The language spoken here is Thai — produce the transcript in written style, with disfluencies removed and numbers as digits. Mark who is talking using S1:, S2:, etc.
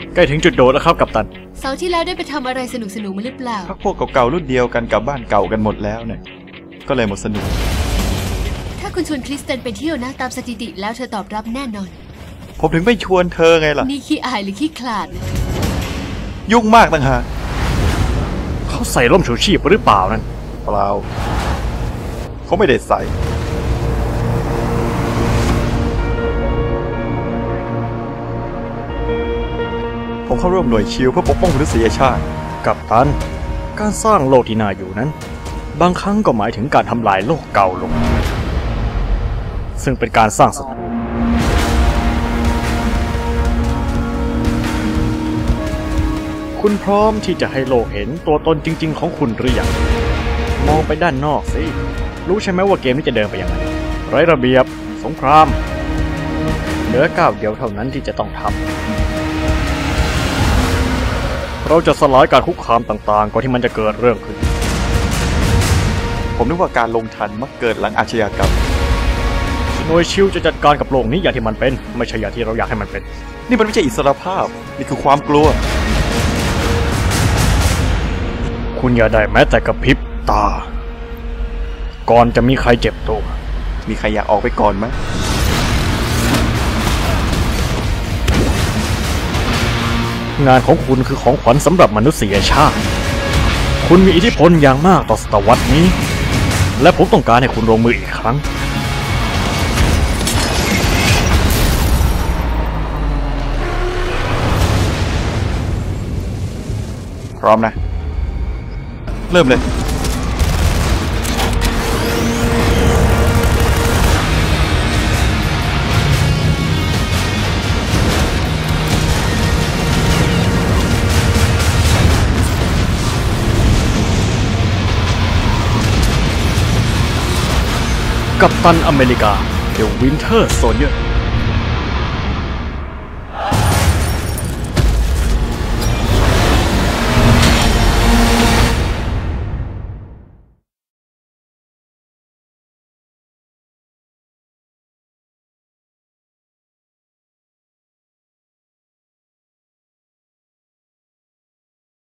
S1: ใกล้ถึงจุดโดดแล้วครับกัปตัน
S2: เสาร์ที่แล้วได้ไปทำอะไรสนุกมาหรือเปล่า
S3: พักพวกเก่าๆรุ่นเดียวกันกับบ้านเก่ากันหมดแล้วเนี่ยก็เลยหมดสนุก
S2: ถ้าคุณชวนคริสเตนไปเที่ยวนะตามสถิติแล้วเธอตอบรับแน่นอน
S3: ผมถึงไม่ชวนเธอไงล่ะ
S2: นี่ขี้อายหรือขี้ขลาด
S3: ยุ่งมากต่างหาก
S1: เขาใส่ร่มชูชีพหรือเปล่านั่น
S3: เปล่าเขาไม่ได้ใส่ผมเข้าร่วมหน่วยชิลเพื่อปกป้องมนุษยชาติ
S1: กัปตันการสร้างโลกที่น่าอยู่นั้นบางครั้งก็หมายถึงการทำลายโลกเก่าลงซึ่งเป็นการสร้างศัตรูคุณพร้อมที่จะให้โลกเห็นตัวตนจริงๆของคุณหรือยังมองไปด้านนอกสิรู้ใช่ไหมว่าเกมนี้จะเดินไปยังไงไร้ระเบียบสงครามเหลือก้าวเดียวเท่านั้นที่จะต้องทำเราจะสลายการคุกคามต่างๆก่อนที่มันจะเกิดเรื่องขึ้น
S3: ผมนึกว่าการลงทันมักเกิดหลังอาชญากรรม
S1: หน่วยชิลจะจัดการกับโลกนี้อย่างที่มันเป็นไม่ใช่อย่างที่เราอยากให้มันเป็น
S3: นี่มันไม่ใช่อิสรภาพนี่คือความกลัว
S1: คุณอย่าได้แม้แต่กระพริบตาก่อนจะมีใครเจ็บตัว
S3: มีใครอยากออกไปก่อนไหม
S1: งานของคุณคือของขวัญสำหรับมนุษยชาติคุณมีอิทธิพลอย่างมากต่อศตวรรษนี้และผมต้องการให้คุณลงมืออีกครั้ง
S3: พร้อมนะเริ่มเลย
S1: กัปตันอเมริกา The Winter Soldier